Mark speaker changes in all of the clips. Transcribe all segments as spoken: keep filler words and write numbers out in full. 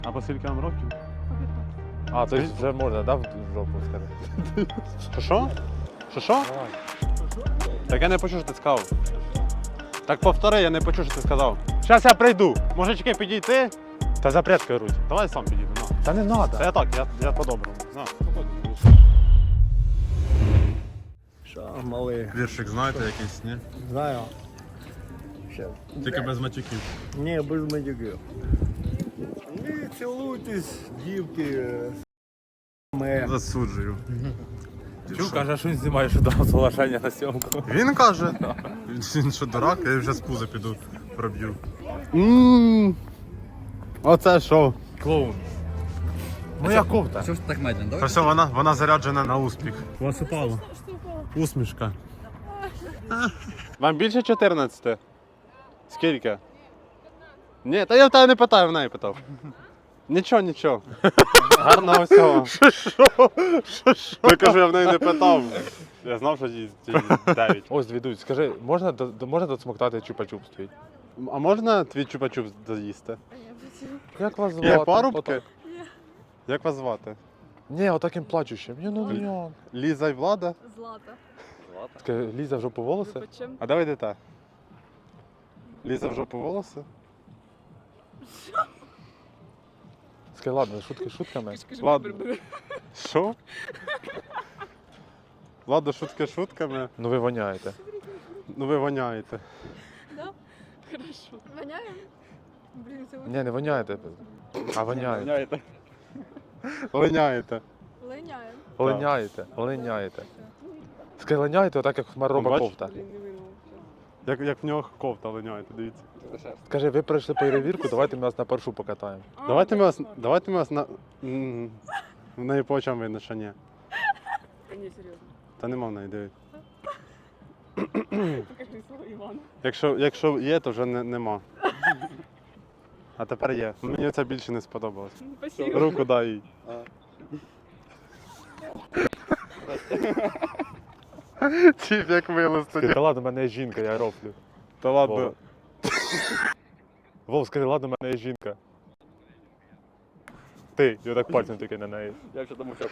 Speaker 1: А по скільки вам років?
Speaker 2: А, то есть вже можна, да, в жопу сказати?
Speaker 1: Що що? Що що? Так я не почув, що ти сказав. Так повтори, я не почув, що ти сказав. Зараз я прийду. Мужички, підійти.
Speaker 2: Та запрятка керуй.
Speaker 1: Давай сам підійду. На.
Speaker 2: Та не надо.
Speaker 1: Та я так, я, я по-доброму. На.
Speaker 3: Що, малий?
Speaker 1: Віршик знаєте якийсь, ні?
Speaker 3: Знаю. Ще.
Speaker 1: Тільки без матюків.
Speaker 3: Ні, без матюків. Не цілуйтесь, дівки. Ми.
Speaker 1: Засуджую.
Speaker 2: Чув, каже, що він знімає, що дав соглашення на сьомку.
Speaker 1: Він каже. Він що дурак, я вже з пуза піду проб'ю. Оце що?
Speaker 2: Клоун. Моя кофта.
Speaker 4: Що ж так медленно?
Speaker 1: Та
Speaker 4: Давай.
Speaker 1: все, вона, вона заряджена на успіх. У вас упало. Усмішка. Вам більше чотирнадцяти? Скільки? Ні, та я в тебе не питаю, в неї питав. Нічого, нічого. Гарного всього. Що? Що? Що? Я кажу, я в неї не питав. Я знав, що їй дев'ять.
Speaker 2: Ось, Двідусь, скажи, можна, до- до- можна досмоктати чупа-чупс твій?
Speaker 1: А можна твій чупа-чуп доїсти?
Speaker 2: Як вас звати?
Speaker 1: Є парубки?
Speaker 2: Отак.
Speaker 1: Як вас звати?
Speaker 2: Ні, отаким плачущим. Ні, ну ні.
Speaker 1: Ліза і Влада?
Speaker 5: Злата.
Speaker 2: Скажи, Ліза в жопу волоси?
Speaker 5: Почем?
Speaker 1: А давай йдете. Ліза в жопу волоси?
Speaker 2: Скажи, ладно, шутки шутками.
Speaker 1: Ладно. Що? Ладно, шутки шутками.
Speaker 2: Ну ви воняєте.
Speaker 1: Ну ви воняєте.
Speaker 5: Да? Хорошо. Воняем? Блин, це
Speaker 2: Ні, не воняєте. А воняєте.
Speaker 1: Воняєте. Воняєте.
Speaker 5: Линяем.
Speaker 2: Линяєте. Линяєте. Скажи, линяєте отак, як хмароба
Speaker 1: Бач?
Speaker 2: кофта.
Speaker 5: Блин, не винул.
Speaker 1: Як, як в нього кофта линяєте, дивіться.
Speaker 2: Скажи, ви пройшли перевірку, давайте ми вас на першу покатаємо.
Speaker 1: Давайте ми вас, давайте ми вас на... М, В неї по очам видно, що ні.
Speaker 5: Та ні, серйозно.
Speaker 1: Та нема в неї, дивись.
Speaker 5: Покажи свого Івана.
Speaker 1: Якщо, якщо є, то вже не, нема. А тепер є. Мені це більше не сподобалось.
Speaker 5: Ну, спасибо.
Speaker 1: Руку дай їй. Тіп як мило
Speaker 2: Скажи, та ладно, в мене є жінка, я рофлю.
Speaker 1: Та ладно.
Speaker 2: Вова. Вов, скажи, ладно, в мене є жінка. Ти, я так пальцем тільки на неї.
Speaker 4: Я вже тому що.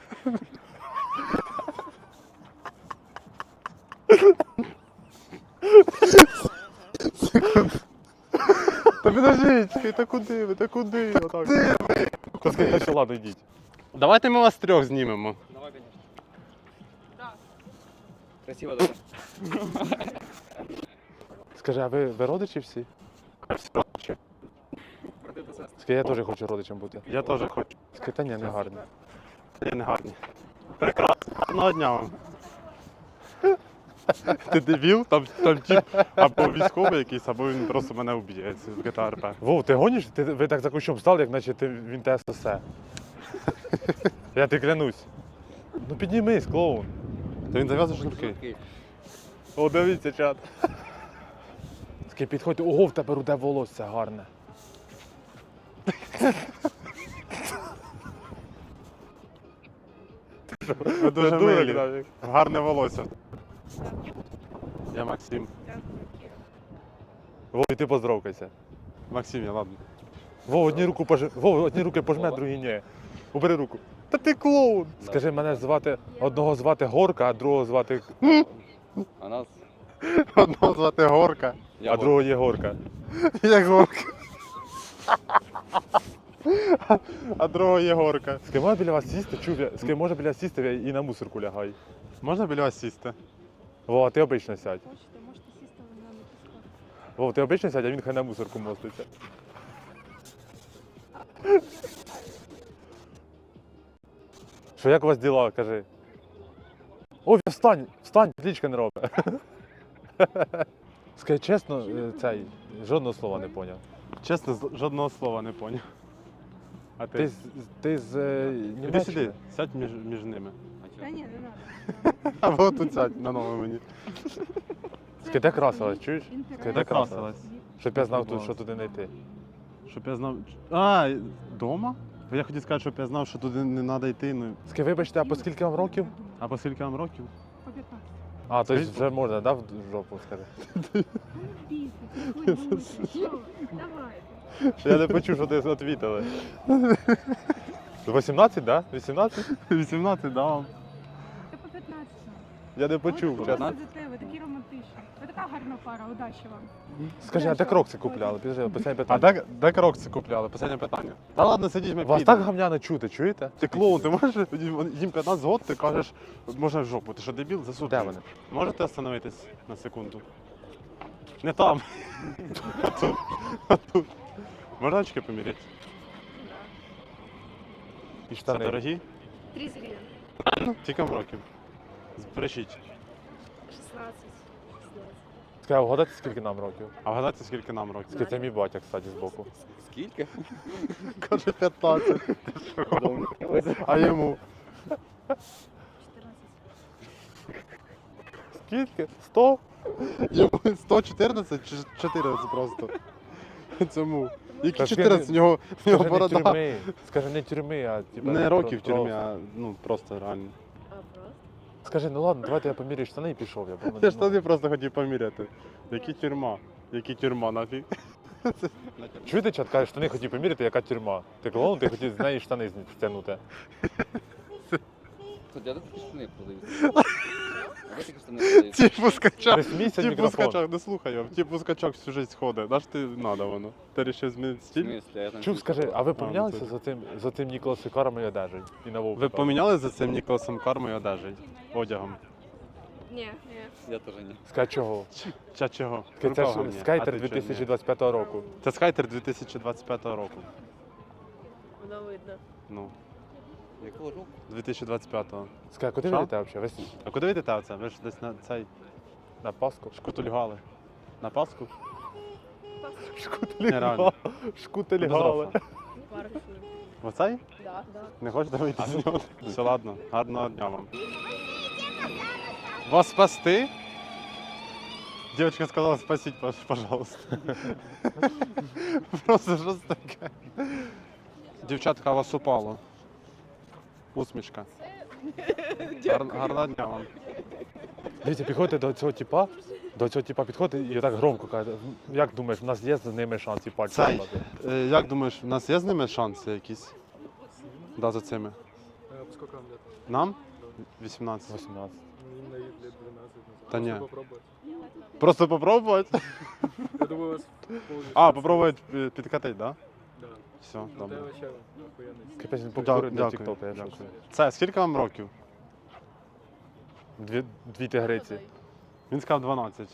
Speaker 1: Та підождіть, та куди ви, та куди? Отак.
Speaker 2: Та скажи, та що, ладно, йдіть.
Speaker 1: Давайте ми вас трьох знімемо.
Speaker 4: Давай, конечно.
Speaker 5: Да.
Speaker 4: Красиво дуже.
Speaker 2: Скажи, а ви, ви родичі всі? Скажи, я теж хочу родичем бути.
Speaker 1: Я теж хочу.
Speaker 2: Скажи, та ні, не гарно.
Speaker 1: Я не гарний. Прекрасно. Гарного дня вам. Ти дебіл? Там, там тип або військовий якийсь, або він просто мене вб'є в джі ті ей ар пі.
Speaker 2: Вов, ти гониш? Ти, ви так за кущом стали, як наче ти, він те сосе. Я ти клянусь. Ну піднімись, клоун.
Speaker 1: Та він зав'язує шнурки.
Speaker 2: О, дивіться, чат. Скажи, підходьте, ого, в тебе руде волосся гарне.
Speaker 1: Ви дуже
Speaker 2: Ти дурак,
Speaker 1: милі.
Speaker 2: Давік.
Speaker 1: Гарне волосся. Я Максим.
Speaker 2: Вов, і ти поздоровкайся.
Speaker 1: Максим, я ладно.
Speaker 2: Вов, одні руку пож... Вов, одні руки пожме, другі ні. Убери руку. Та ти клоун. Скажи, мене звати, одного звати Горка, а другого звати,
Speaker 4: А нас?
Speaker 1: Одного звати Горка.
Speaker 2: а другого є Горка.
Speaker 1: Як Горка. А другого є Горка.
Speaker 2: Скажи, можна біля вас сісти? Чув, я- скажи, можна біля вас сісти і на мусорку лягай.
Speaker 1: Можна біля вас сісти?
Speaker 2: Вова, ти обично сядь.
Speaker 5: Хочете, можете сісти, але не натискати.
Speaker 2: Вова, ти обично сядь, а він хай на мусорку моститься. Що, як у вас діла, кажи? Ой, встань, встань, плічка не робить. Скажи чесно, е, цей, жодного слова не поняв.
Speaker 1: Чесно, з- жодного слова не поняв. А
Speaker 2: Ти,
Speaker 1: ти?
Speaker 2: з- ти з е,
Speaker 1: Іди
Speaker 2: Німеччини?
Speaker 1: сюди, сядь між, між ними.
Speaker 5: Та ні, не надо.
Speaker 1: Або тут сядь на новому мені.
Speaker 2: Скажи, де красилась, чуєш?
Speaker 5: Інтерес.
Speaker 2: Скажи, де красилась?
Speaker 1: красилась?
Speaker 2: Щоб я знав, тут, що туди не йти.
Speaker 1: Щоб я знав. А, дома? Я хотів сказати, щоб я знав, що туди не треба йти. Ну.
Speaker 2: Скажи, вибачте, а по скільки вам років?
Speaker 1: А по скільки вам років?
Speaker 5: По п'ятнадцять.
Speaker 2: А, то есть вже можна, да, в жопу, скажи?
Speaker 5: Бійся, приходь, бійся. Що? Давай.
Speaker 2: Я не почув, що ти відповіли. вісімнадцять, так? Да? вісімнадцять?
Speaker 1: вісімнадцять, да вам.
Speaker 5: Ти по п'ятнадцять.
Speaker 2: Я не почув.
Speaker 5: Ви
Speaker 2: чесно.
Speaker 5: сидите, ви такі романтичні. Ви така гарна пара, удачі вам.
Speaker 2: Скажи, а де крокси купляли? Підожди, останнє
Speaker 1: А
Speaker 2: питання.
Speaker 1: де, де крокси купляли? Останнє питання. Та ладно, сидіть, ми
Speaker 2: Вас
Speaker 1: підемо.
Speaker 2: так гамняно чути, чуєте?
Speaker 1: Ти клоун, ти можеш, їм п'ятнадцять років, ти кажеш, можна в жопу, ти що дебіл, засуд.
Speaker 2: Де вони?
Speaker 1: Можете остановитись на секунду? Не там. А тут. А тут. Можна очки поміряти?
Speaker 2: І
Speaker 1: Це
Speaker 2: штани.
Speaker 1: дорогі?
Speaker 6: тридцать гривен.
Speaker 1: Тільки років. Збережіть.
Speaker 6: шестнадцать.
Speaker 2: Скажи, вгадати, скільки нам років?
Speaker 1: А вгадайте, скільки нам років?
Speaker 2: Скільки це мій батя, кстати, збоку.
Speaker 4: Скільки?
Speaker 1: Каже п'ятнадцять. А йому?
Speaker 2: Скільки? Сто?
Speaker 1: Йому сто чотирнадцять чи чотирнадцять просто. Цьому. Які
Speaker 2: Та
Speaker 1: чотирнадцять? У нього, у нього
Speaker 2: Скажи, не
Speaker 1: борода.
Speaker 2: тюрми. Скажи, не тюрми, а типа...
Speaker 1: Не років в
Speaker 2: про-
Speaker 1: тюрмі, а ну просто реально.
Speaker 6: А, просто?
Speaker 2: Скажи, ну ладно, давайте я поміряю штани і пішов. Я, бо мене,
Speaker 1: Я ж
Speaker 2: ну,
Speaker 1: тоді просто хотів поміряти. Які тюрма? Які тюрма нафіг?
Speaker 2: Чуєте, чат, каже, штани хотів поміряти, яка тюрма? Ти клоун, ти хотів з неї штани стягнути.
Speaker 4: Тут я такі штани продаються. А ви такі штани продаються.
Speaker 1: Ті пускачок.
Speaker 2: Не смійся в
Speaker 1: Ті
Speaker 2: мікрофон.
Speaker 1: пускачок, не слухай його. Ті пускачок всю життя ходить. Наш ти надо воно. Ти вирішив змінити
Speaker 4: В
Speaker 1: стиль?
Speaker 4: смислі, я там
Speaker 2: Чув, скажи, а ви
Speaker 1: ну
Speaker 2: помінялися
Speaker 1: це-
Speaker 2: за цим, за цим Ніколасом Каром і одежею? І на Вовку?
Speaker 1: Ви поміняли за цим Ніколасом кармою одежею? Одягом?
Speaker 6: Не, не.
Speaker 4: Я теж ні.
Speaker 2: Скажи, чого?
Speaker 1: Чи чого?
Speaker 2: Це
Speaker 1: Рукава
Speaker 2: ж
Speaker 1: мені.
Speaker 2: скайтер
Speaker 1: А ти чого
Speaker 2: дві тисячі
Speaker 1: ні?
Speaker 2: двадцять п'ятого року.
Speaker 1: Це скайтер дві тисячі двадцять п'ятого року.
Speaker 6: Воно видно.
Speaker 1: Ну,
Speaker 4: Якого року?
Speaker 1: дві тисячі двадцять п'ятого.
Speaker 2: Скажи, куди ви
Speaker 1: Що?
Speaker 2: йдете взагалі? Ви
Speaker 1: А куди ви йдете оце? Ви ж десь на цей
Speaker 2: на Пасху?
Speaker 1: шкутульгали. На Пасху?
Speaker 2: Шкутельгали. Шкутельгали.
Speaker 6: Парк.
Speaker 1: В оцей?
Speaker 6: Да, да.
Speaker 1: Не хочете вийти з нього? Все, ладно. Гарного дня вам. Вас спасти? Девочка сказала, спасіть, пож- пожалуйста. Просто що це таке? Дівчатка, вас упало. Усмішка. Гар, гарного дня вам.
Speaker 2: Дивіться, підходите до цього типа, до цього типа підходите і так громко каже, як думаєш, в нас є з ними шанс і пальці
Speaker 1: Цей.
Speaker 2: дати?
Speaker 1: Е, як думаєш, в нас є з ними шанси якісь? Да, за цими.
Speaker 7: Сколько вам лет?
Speaker 1: Нам? вісімнадцять.
Speaker 2: вісімнадцять.
Speaker 7: Ну, им на вид лет двенадцать.
Speaker 1: Да не.
Speaker 7: Попробовать.
Speaker 1: Просто попробувати?
Speaker 7: Я думаю, у вас полный
Speaker 1: А,
Speaker 7: шанс.
Speaker 1: попробувати е, підкатити, да?
Speaker 7: Да.
Speaker 1: Все,
Speaker 7: Ну,
Speaker 1: добре.
Speaker 7: ты вообще охуенный.
Speaker 2: Капець, він
Speaker 1: Дя-
Speaker 2: покурить для
Speaker 1: дякую,
Speaker 2: тіктока, я
Speaker 1: дякую.
Speaker 2: щось.
Speaker 1: Це, скільки вам років?
Speaker 2: Дві, дві тигриці.
Speaker 1: Він сказав дванадцять.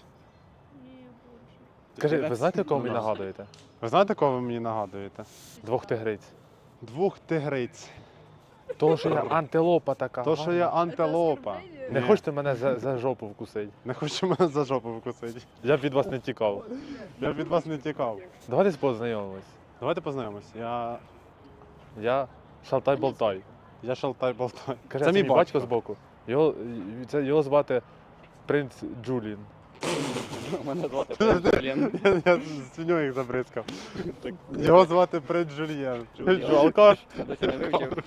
Speaker 2: Скажи, ви знаєте, кого мені
Speaker 1: Ну, да.
Speaker 2: нагадуєте?
Speaker 1: Ви знаєте, кого ви мені нагадуєте?
Speaker 2: Двох тигриць.
Speaker 1: Двох тигриць.
Speaker 2: Того, що я антилопа така.
Speaker 1: То, що я антилопа.
Speaker 2: Не
Speaker 1: Ні.
Speaker 2: хочете мене за, за жопу вкусити?
Speaker 1: Не хочу мене за жопу вкусити.
Speaker 2: Я б від вас не тікав.
Speaker 1: Я від вас не тікав.
Speaker 2: Давайте познайомимось.
Speaker 1: Давайте познайомимось. Я.
Speaker 2: Я Шалтай-Болтай.
Speaker 1: Я шалтай болтай.
Speaker 2: Каже, це, мій батько збоку. Його, це, його звати принц Джулін.
Speaker 4: Мене звати Блін.
Speaker 1: Я, я свиньою їх забризкав. Його звати Принц Жульєн.
Speaker 2: Що, алкаш?
Speaker 4: Я досі не вивчив.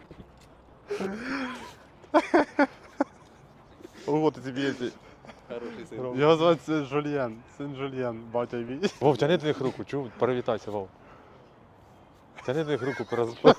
Speaker 2: Ого, ти собі є.
Speaker 4: Хороший син.
Speaker 1: Його звати Жульєн. Син Жульєн, батя мій.
Speaker 2: Вов, тяни до них руку, чув? Привітайся, Вов. Тяни до них руку, пораз...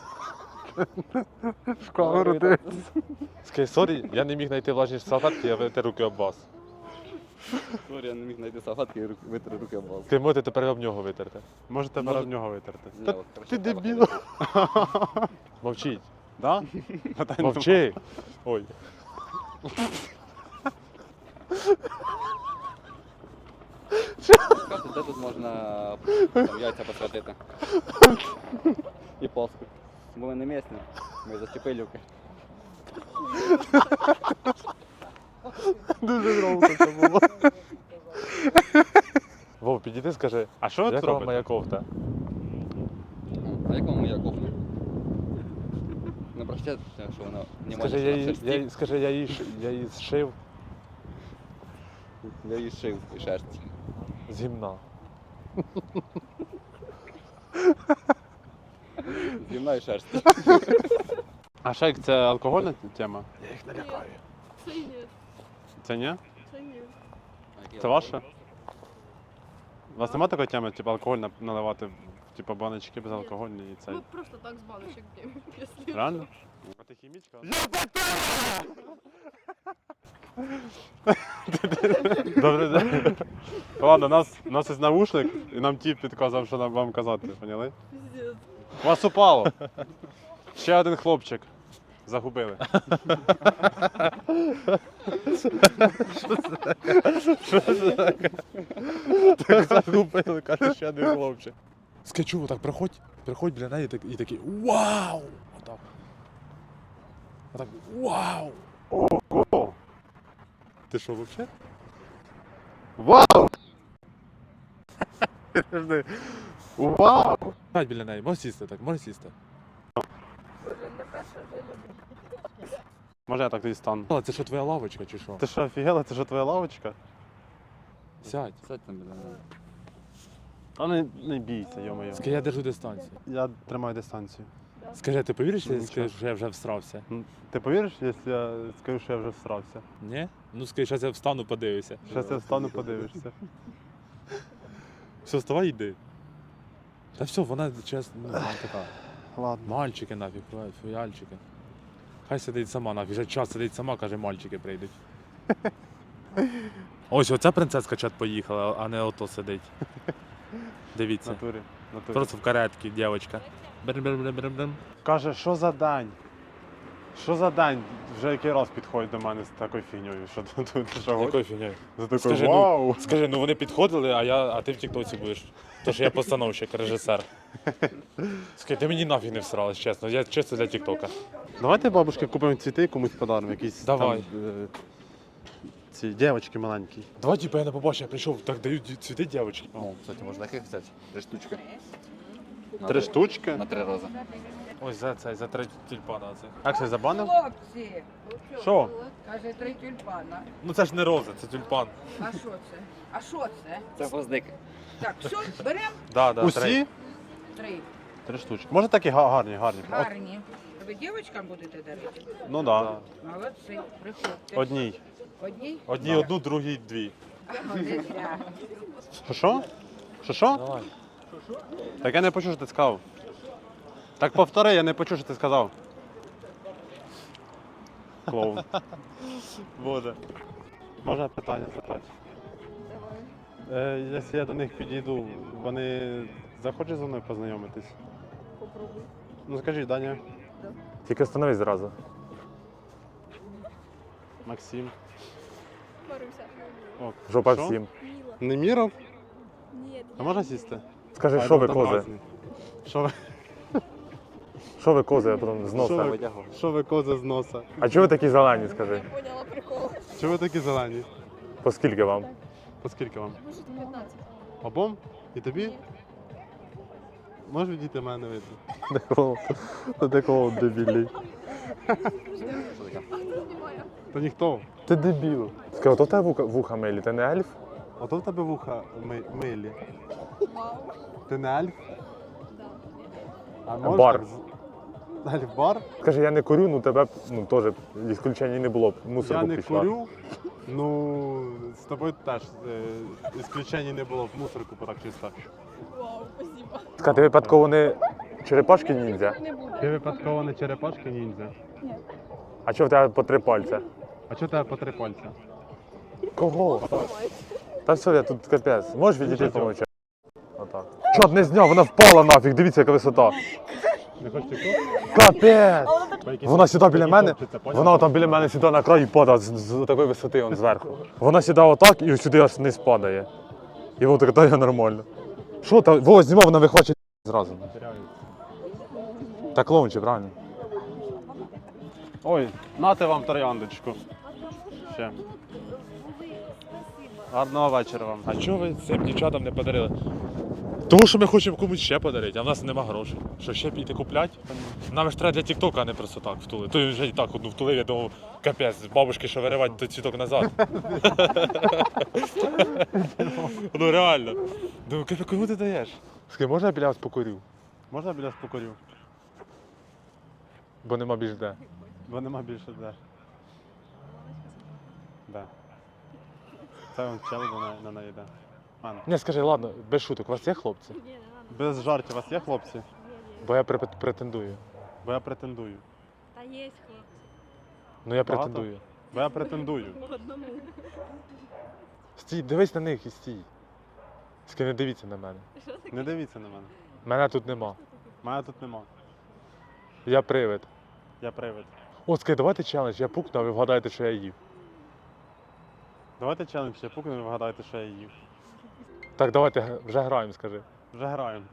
Speaker 1: В камеру ти.
Speaker 2: Скажи, сорі, я не міг знайти влажні салфетки, я витер руки об вас.
Speaker 4: Сорі, я не міг знайти салфетки і руки- витри руки об вас.
Speaker 2: Ти можете тепер об нього витерти.
Speaker 1: Можете
Speaker 4: Може-
Speaker 1: перед нього витерти.
Speaker 4: Ні,
Speaker 1: Та
Speaker 4: от,
Speaker 1: ти
Speaker 4: коротше, треба
Speaker 1: дебіл.
Speaker 2: Мовчіть.
Speaker 1: Да? Питань нема.
Speaker 2: Мовчи. Ой.
Speaker 4: Скажи, де тут можна там, яйця посвятити? І Пасху. Бо ми не місні. Ми за Чепилівки.
Speaker 1: Дуже громко це було.
Speaker 2: Вов, підійди, скажи,
Speaker 1: А що ви тут
Speaker 2: як вам
Speaker 1: робите?
Speaker 2: моя кофта?
Speaker 4: А як вам моя кофта? Не прощайте, що вона не
Speaker 2: Скажи, я її, я, її- скажи, я її, ш- я її зшив
Speaker 4: Я її шив і шерсть.
Speaker 2: з гімна.
Speaker 4: Зімна і шерсть.
Speaker 1: А шейк це алкогольна тема?
Speaker 2: Я їх налякаю.
Speaker 6: Це ні.
Speaker 1: Це ні?
Speaker 6: Це ні.
Speaker 1: Це ваше? У вас немає такої теми, типу алкоголь на- наливати в Типа баночки безалкогольні і цей.
Speaker 6: Мы просто так с баночек пьем, если
Speaker 1: Реально? А ти хімічка? Добрий день. Ладно, нас, у нас є навушник, і нам тіп підказав, що нам вам казати, поняли?
Speaker 6: пиздец.
Speaker 1: Вас упало. Ще один хлопчик. Загубили.
Speaker 2: Так загубили, каже, ще один хлопчик. Скачу, так приходь, приходь біля неї і так- і такий вау! Отак. Отак, вау!
Speaker 1: Ого!
Speaker 2: Ти що, взагалі?
Speaker 1: Вау! Подожди. Вау!
Speaker 2: Сядь біля неї, можеш сісти так, можеш сісти.
Speaker 1: Може я так тоді стану?
Speaker 2: Але це що, твоя лавочка чи що?
Speaker 1: Ти що, офігела? Це що твоя лавочка?
Speaker 2: Сядь.
Speaker 4: Сядь там біля мене.
Speaker 1: Та не, не бійся, йо-моє.
Speaker 2: Скажи, я держу дистанцію.
Speaker 1: Я тримаю дистанцію.
Speaker 2: Скажи, ти повіриш,
Speaker 1: Ну,
Speaker 2: якщо я
Speaker 1: нічого.
Speaker 2: скажу, що я вже всрався?
Speaker 1: М, Ти повіриш, якщо я скажу, що я вже всрався?
Speaker 2: Ні? Ну скажи, зараз я встану, подивлюся.
Speaker 1: Зараз я встану, подивишся.
Speaker 2: Все, вставай, йди. Та все, вона чесно, ну, вона така.
Speaker 1: Ладно.
Speaker 2: Мальчики нафіг, фуяльчики. Хай сидить сама нафіг, вже час сидить сама, каже, мальчики прийдуть. Ось оця принцеска чат поїхала, а не ото сидить. Дивіться.
Speaker 1: Натурі. Натурі.
Speaker 2: Просто в каретці, дівчинка. Брим-брим-брим-брим-брим.
Speaker 1: Каже, що за дань? Що за дань? Вже який раз підходить до мене з такою фігньою, що тут тут що гониш?
Speaker 2: Якою фігнею?
Speaker 1: За такою
Speaker 2: Скажи, ну,
Speaker 1: вау!
Speaker 2: Скажи, ну вони підходили, а я, а ти в тіктоці будеш. Тож я постановщик, режисер. Скажи, ти мені нафіг не всралась, чесно. Я чисто для тіктока.
Speaker 1: Давайте бабушки купимо цвіти і комусь подаримо, якісь
Speaker 2: Давай.
Speaker 1: там, е, ці дівчатки маленькі.
Speaker 2: Давай, типу, я не побачив, я прийшов, так дають цвіти дівчатки.
Speaker 4: О, кстати, можна їх взяти. Три штучки. На
Speaker 1: Три штучки.
Speaker 4: На три рази.
Speaker 2: Ось за цей, за три тюльпана цих.
Speaker 1: Як це забанив?
Speaker 8: Хлопці,
Speaker 1: Що?
Speaker 8: каже, три тюльпана.
Speaker 2: Ну це ж не роза, це тюльпан.
Speaker 8: А що це? А що це?
Speaker 4: Це гвоздик.
Speaker 8: Так, все, беремо
Speaker 2: Да, да,
Speaker 1: Усі?
Speaker 2: три.
Speaker 8: три.
Speaker 1: Три штучки. Може такі га- гарні, гарні. От,
Speaker 8: Гарні. Ви дівчатам будете дарити?
Speaker 1: ну так. Да.
Speaker 8: Молодці, приходьте.
Speaker 1: Одній.
Speaker 8: Одній?
Speaker 2: Одні одну, другі дві.
Speaker 8: Один, да.
Speaker 1: Що що? Що що?
Speaker 2: Давай.
Speaker 1: Так я не почув, що ти сказав. Так повтори, я не почув, що ти сказав. Клоун.
Speaker 2: Боже.
Speaker 1: Можна питання запитати? Е, якщо я до них підійду, вони захочуть зі мною познайомитись?
Speaker 6: Попробуй.
Speaker 1: Ну скажіть, Даня,
Speaker 2: Тільки становись зразу.
Speaker 1: Максим.
Speaker 6: Маруся.
Speaker 1: О,
Speaker 2: Жопа
Speaker 1: що?
Speaker 2: всім.
Speaker 6: Мила.
Speaker 1: Неміров?
Speaker 6: Нет.
Speaker 1: А можна сісти?
Speaker 2: Скажи,
Speaker 1: А,
Speaker 2: що ви
Speaker 1: там
Speaker 2: кози?
Speaker 1: разні. Що ви,
Speaker 2: Що ви кози, я потім з
Speaker 1: що
Speaker 2: носа.
Speaker 1: ви, що ви кози з носа?
Speaker 2: А чого ви такі зелені, скажи?
Speaker 6: Я поняла прикол.
Speaker 1: Чого ви такі зелені?
Speaker 2: По скільки вам?
Speaker 1: По скільки вам?
Speaker 6: Може п'ятнадцять.
Speaker 1: Обом? І тобі? Можеш відійти, мене не видно.
Speaker 2: Такого, такого дебілі.
Speaker 1: Та ніхто.
Speaker 2: Ти дебіл. Скажи, ото в тебе вуха, вуха милі, ти не ельф?
Speaker 1: Ото в тебе вуха ми, милі.
Speaker 6: Вау.
Speaker 1: Ти не альф?
Speaker 6: Да.
Speaker 1: А можеш
Speaker 2: бар.
Speaker 1: так з- Альф бар?
Speaker 2: Скажи, я не курю, ну тебе б, ну теж ісключення не було б. Мусор
Speaker 1: Я
Speaker 2: б
Speaker 1: не
Speaker 2: пішла.
Speaker 1: курю. Ну, з тобою теж е, ісключень не було в мусорку, так чисто.
Speaker 6: Вау, спасибо.
Speaker 2: Скажи, ти випадково не черепашки ніндзя?
Speaker 6: Не буду.
Speaker 1: Ти випадково не черепашки ніндзя?
Speaker 2: А чого в тебе по три пальця?
Speaker 1: А чого тебе по три пальця?
Speaker 2: Кого? Та все, я тут капець. Можеш відійти помовчати? Отак. Чорт, не зняв, вона впала нафіг, дивіться, яка висота.
Speaker 1: Не хочеш тікток?
Speaker 2: Капець! Вона сюди біля мене,
Speaker 1: Топчеться, поняв?
Speaker 2: вона там біля мене сюди на край і падає з, з такої висоти, он зверху. Вона сідає отак і сюди аж не спадає. І вона так дає нормально. Що та Вова знімав, вона вихвачує зразу. Так клоунче, правильно?
Speaker 1: Ой, нате вам трояндочку. Ще. Гарного вечора вам.
Speaker 2: А чого ви цим дівчатам не подарили? Тому що ми хочемо комусь ще подарити, а в нас нема грошей. Що ще піти купляти? Нам ж треба для тіктока, а не просто так втулити. То вже і так одну втулив, я думав, капець, з бабушки, що виривати той цвіток назад. Ну реально. Думаю, капець, кому ти даєш? Скажи, можна я біля вас покурю?
Speaker 1: Можна біля спокорів?
Speaker 2: Бо нема більш де.
Speaker 1: Бо нема більше де. Де? Це он чел на, на неї йде. Ладно.
Speaker 2: Ні, скажи, ладно, без шуток, у вас є хлопці?
Speaker 6: Ні, не надо.
Speaker 1: Без жартів, у вас є хлопці?
Speaker 2: Бо я пре- претендую.
Speaker 1: Бо я претендую.
Speaker 6: Та є хлопці.
Speaker 2: Ну я
Speaker 1: Багато?
Speaker 2: претендую.
Speaker 1: Бо я претендую.
Speaker 6: По одному.
Speaker 2: Стій, дивись на них і стій. Тільки не дивіться на мене.
Speaker 1: Не дивіться на мене.
Speaker 2: Мене тут нема.
Speaker 1: Мене тут нема.
Speaker 2: Я привид.
Speaker 1: Я привид.
Speaker 2: О, скажи, давайте челендж, я пукну, а ви вгадаєте, що я їв.
Speaker 1: Давайте челендж, я пукну і вгадайте, що я їв.
Speaker 2: Так, давайте г- вже граємо, скажи.
Speaker 1: Вже граємо.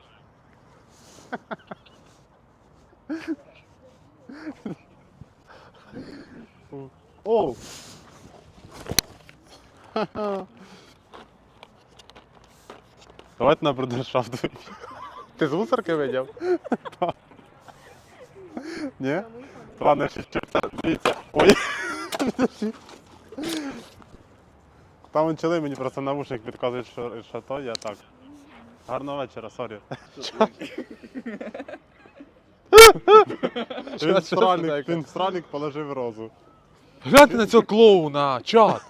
Speaker 1: Оу! Давайте на брудершафт.
Speaker 2: Ти з мусорки видів?
Speaker 1: Ні? Ладно, ще ще. Дивіться. Ой. Там он чили, мені просто навушник підказують, що, що то, я так. Гарного вечора, сорі. Він сральник, він сральник положив розу.
Speaker 2: Гляньте на цього клоуна, чат!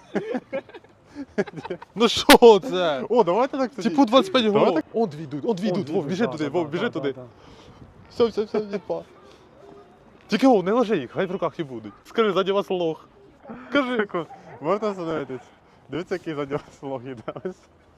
Speaker 2: Ну що це?
Speaker 1: О, давайте так тоді.
Speaker 2: Типу двадцять п'ять
Speaker 1: Давайте
Speaker 2: голов. Он дві йдуть, он дві йдуть, Вов, біжи туди, Вов, біжи туди. Все, все, все, відпа. Тільки Вов, не ложи їх, хай в руках і будуть. Скажи, ззаді вас лох.
Speaker 1: Кажи, можна остановитись? Дивіться, який за нього слог іде. Ось.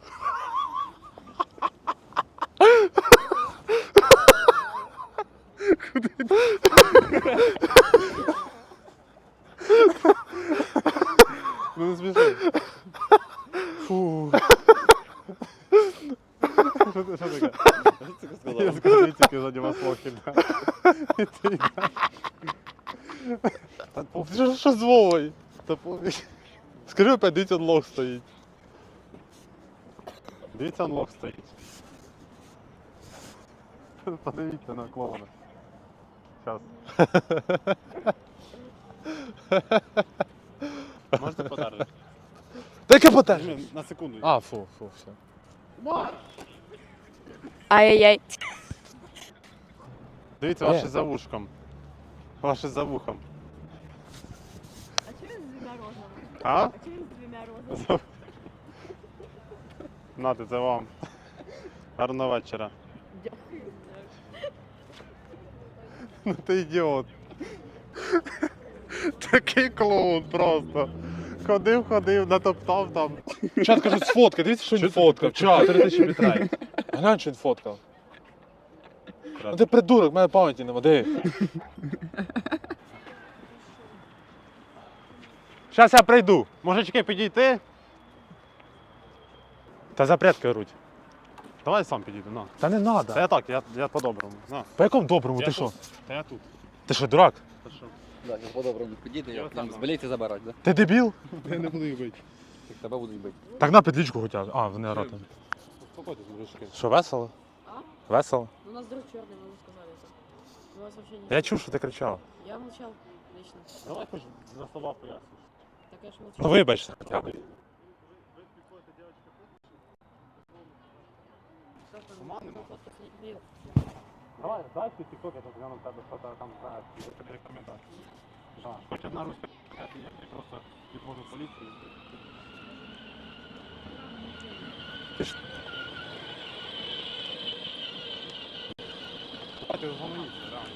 Speaker 1: Ну не сміши.
Speaker 2: Фу.
Speaker 1: Що це- що таке? Я скажу, дивіться, який за нього слог іде. І ти йдеш. Та пофіг.
Speaker 2: Що, що з Вовою?
Speaker 1: Та пофіг.
Speaker 2: Скажи опять, дивіться, лох стоїть.
Speaker 1: Дивіться, анлок стоїть. Подивіться на клоуна. Зараз. Можете подарити?
Speaker 2: Та яке потеж?
Speaker 1: На секунду.
Speaker 2: А, фу, фу, все.
Speaker 6: Ай-яй-яй.
Speaker 1: Дивіться,
Speaker 2: Е.
Speaker 1: ваше за вушком. Ваше за вухом.
Speaker 6: А чого він з двома розами?
Speaker 1: А?
Speaker 6: А чого він з двома розами?
Speaker 1: Нати, це вам. Гарного вечора.
Speaker 6: Дякую.
Speaker 1: Ну ти ідіот. Такий клоун просто. Ходив, ходив, натоптав там.
Speaker 2: Чат каже, сфоткай, дивіться, що він фоткав. Чат, чотири тисячі бітрей. Глянь, що він фоткав. Ну ти придурок, в мене пам'яті нема, диви.
Speaker 1: Зараз я прийду. Мужички, підійти?
Speaker 2: Та запрятки руть.
Speaker 1: Давай сам підійду, на.
Speaker 2: Та не
Speaker 1: Та
Speaker 2: надо.
Speaker 1: я так, я, я по-доброму. На.
Speaker 2: По якому доброму,
Speaker 1: Я
Speaker 2: ти
Speaker 1: тут.
Speaker 2: що?
Speaker 1: Та я тут.
Speaker 2: Ти що, дурак?
Speaker 1: Та що?
Speaker 4: Да, зараз по-доброму підійде,
Speaker 1: Я
Speaker 4: я
Speaker 1: отам.
Speaker 4: з боліти забирати, да?
Speaker 2: Ти дебіл?
Speaker 1: Я не буду їх бити.
Speaker 4: Так тебе будуть бити.
Speaker 2: Так на підлічку хоча б. А, вони орати.
Speaker 1: Успокойтесь, мужички.
Speaker 2: Що, весело?
Speaker 6: А?
Speaker 2: Весело?
Speaker 6: У нас друг черный, мы ему сказали это. У вас вообще не...
Speaker 2: Я чув, що ти кричав.
Speaker 6: Я молчал лично.
Speaker 1: Давай хоч за слова поясниш.
Speaker 6: Так я ж молчал.
Speaker 2: Ну вибачте. хоча б.
Speaker 6: Нет.
Speaker 1: Давай, дай ти тікток, я тут гляну в тебе, що ти там знаєш, і тобі коментар. Жа, хоч одна руська, я просто відвожу поліцію. Давайте згомоніться, реально.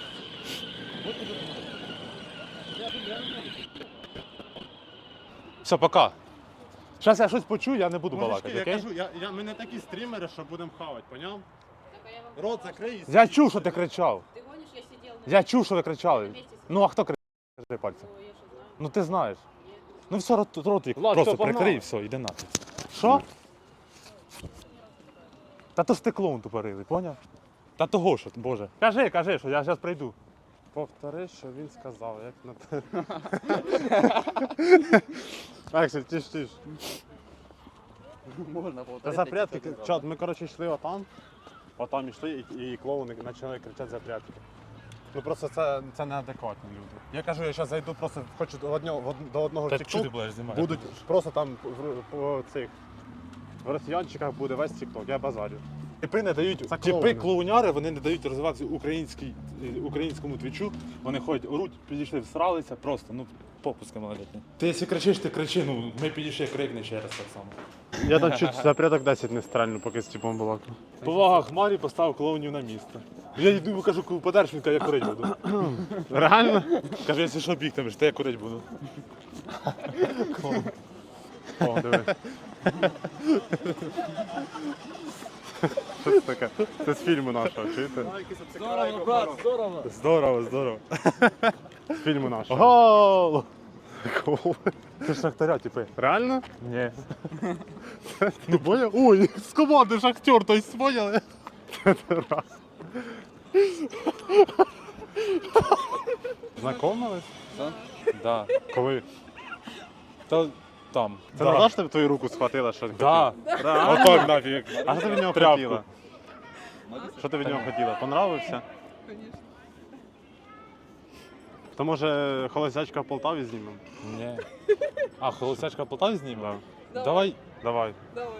Speaker 2: Все, пока. Зараз я щось почую, я не буду
Speaker 1: Мужички,
Speaker 2: балакати,
Speaker 1: я
Speaker 2: окей?
Speaker 1: кажу, я, я, ми не такі стрімери, що будемо хавати, поняв? Рот закрий. і
Speaker 2: Я чув, що ти кричав.
Speaker 6: Ты гонишь, я сидел на
Speaker 2: Я чув, що ви кричали.
Speaker 6: месте.
Speaker 2: Ну а хто кричав? Кажи пальцем.
Speaker 6: Я же знаю.
Speaker 2: Ну ти знаєш. Ну все, рот, рот їх
Speaker 1: Ладно,
Speaker 2: просто
Speaker 1: все, погнали.
Speaker 2: прикрий, все, йди нахуй. Що? Та то ж ти клоун тупорилий, поняв? Та того що, боже. Кажи, кажи, що я зараз прийду.
Speaker 1: Повтори, що він сказав, як на те. Аксель, тиш, тиш.
Speaker 4: Можна
Speaker 1: Та
Speaker 4: повторити.
Speaker 1: запрятки,
Speaker 4: як це
Speaker 1: чат, ми коротше йшли отам, отам йшли і, і клоуни почали кричати запрятки. Ну просто це, це неадекватні люди. Я кажу, я зараз зайду, просто хочу до одного, в од- до одного
Speaker 2: Та що ти
Speaker 1: тікток,
Speaker 2: будеш знімати?
Speaker 1: будуть просто там в, по цих, в росіянчиках буде весь тікток, я базарю.
Speaker 2: Типи не дають,
Speaker 1: Це
Speaker 2: типи
Speaker 1: клоуни.
Speaker 2: клоуняри, вони не дають розвиватися українській, е, українському твічу. Вони ходять, оруть, підійшли, всралися, просто, ну, попуски малолітні. Ти якщо кричиш, ти кричи, ну, ми підійшли, крикни ще раз так само.
Speaker 1: Я там чуть запряток десять не стрельну, поки з типом балакав.
Speaker 2: Повага Хмарі поставив клоунів на місце. Я йду йому кажу, подерж, він каже, я курить буду.
Speaker 1: Реально?
Speaker 2: Каже, якщо що бігтимеш, то я курить буду.
Speaker 1: О, диви. Що це таке? Це з фільму нашого, чуєте?
Speaker 4: Здорово, брат, здорово.
Speaker 2: Здорово, здорово.
Speaker 1: З фільму нашого.
Speaker 2: Гол!
Speaker 1: Гол.
Speaker 2: Ти ж шахтаря, типи.
Speaker 1: Реально?
Speaker 2: Ні.
Speaker 1: Ну поняв? Ой, з команди шахтер, то есть поняли? Знакомились?
Speaker 4: Що?
Speaker 2: Да.
Speaker 1: Коли?
Speaker 2: Та там.
Speaker 1: Це
Speaker 2: да.
Speaker 1: назад тебе твою руку схватила, що він
Speaker 2: Да.
Speaker 1: хотів? Да.
Speaker 2: Отак нафіг.
Speaker 1: А що ти від нього
Speaker 2: Тряпку.
Speaker 1: хотіла? Що ти від нього хотіла? Понравився?
Speaker 6: Конечно.
Speaker 1: То може холостячка в Полтаві знімемо?
Speaker 2: Ні. А, холостячка в Полтаві знімемо?
Speaker 1: Да.
Speaker 2: Давай.
Speaker 1: Давай.
Speaker 6: Давай.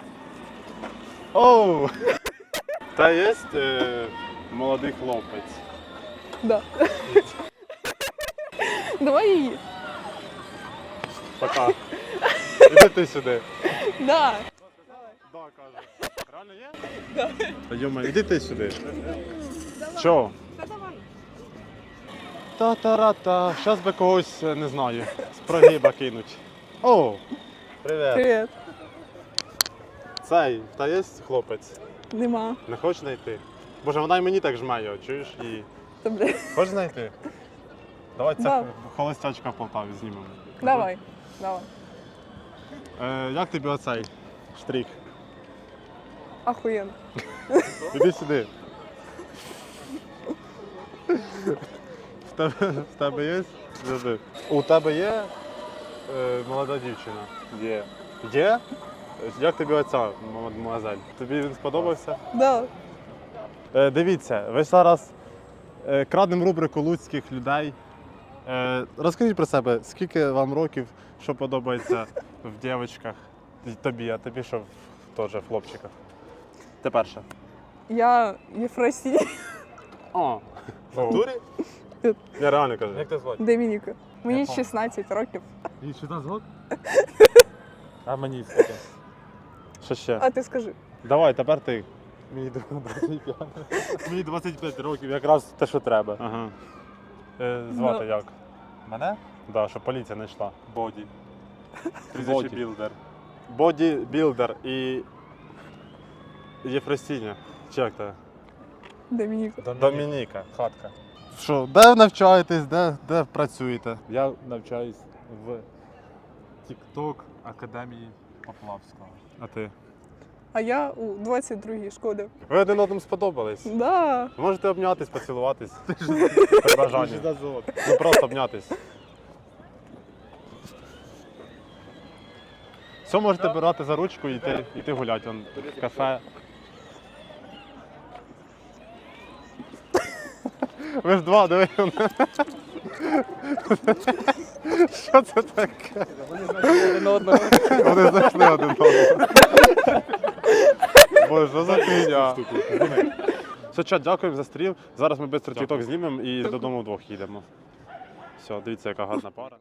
Speaker 1: Оу! Та є е, молодий хлопець.
Speaker 6: Да. Давай її.
Speaker 1: Пока. Іди ти сюди.
Speaker 6: Да.
Speaker 1: Да, каже. Реально є? Да. Йома, іди ти сюди. Чо?
Speaker 5: Та давай.
Speaker 1: Та-та-ра-та. Щас би когось, е, не знаю, з прогиба кинуть. О! Привіт.
Speaker 6: Привіт.
Speaker 1: Цей, та є хлопець?
Speaker 6: Нема.
Speaker 1: Не хочеш знайти? Боже, вона й мені так жме його, чуєш? І...
Speaker 6: Та, бля.
Speaker 1: Хочеш знайти? Давай це
Speaker 6: Да.
Speaker 1: холостячка в Полтаві знімемо.
Speaker 6: Давай. Давай.
Speaker 1: Е, як тобі оцей штрих?
Speaker 6: Ахуєнно.
Speaker 1: Іди сюди. В тебе, в тебе є? Завжди. У тебе є е, молода дівчина?
Speaker 2: Є.
Speaker 1: Є? Як тобі оця мадемуазель? Тобі він сподобався?
Speaker 6: Да.
Speaker 1: Е, дивіться, ви зараз е, крадемо рубрику луцьких людей. Е, розкажіть про себе, скільки вам років, що подобається в дівчатках? Тобі, а тобі що в- теж в хлопчиках? Ти перша.
Speaker 6: Я Єфросій.
Speaker 1: О, в натурі? Я реально кажу.
Speaker 2: Як тебе звати?
Speaker 6: Домініка. Мені
Speaker 2: пам'ятаю.
Speaker 6: шістнадцять років.
Speaker 2: І що там звати? А мені скільки?
Speaker 1: Що ще?
Speaker 6: А ти скажи.
Speaker 1: Давай, тепер ти.
Speaker 2: Мені двадцять п'ять. Мені двадцять п'ять років, якраз те, що треба.
Speaker 1: Ага.
Speaker 2: Е, звати
Speaker 6: Ну.
Speaker 2: як? Мене?
Speaker 1: Да, щоб поліція не йшла.
Speaker 2: Боді.
Speaker 1: Боді.
Speaker 2: Білдер.
Speaker 1: Бодібілдер і Єфросіня. Чи як це?
Speaker 6: Домініка.
Speaker 1: Домініка.
Speaker 2: Хатка.
Speaker 1: Що, де навчаєтесь, де, де працюєте?
Speaker 2: Я навчаюсь в TikTok Академії Поплавського.
Speaker 1: А ти?
Speaker 6: А я у двадцять другій шкоді.
Speaker 1: Ви один одному сподобались.
Speaker 6: Да.
Speaker 1: Ви можете обнятись, поцілуватись. При бажанні. Ну просто обнятись. Все можете брати за ручку і йти, йти гуляти вон, в кафе. Ви ж два, диви. Що це таке?
Speaker 4: Один одного.
Speaker 1: Вони знайшли один одного. Боже, що за фігня? Все, чат, дякуємо за стрім. Зараз ми швидко тік-ток знімемо і додому вдвох їдемо. Все, дивіться, яка гарна пара.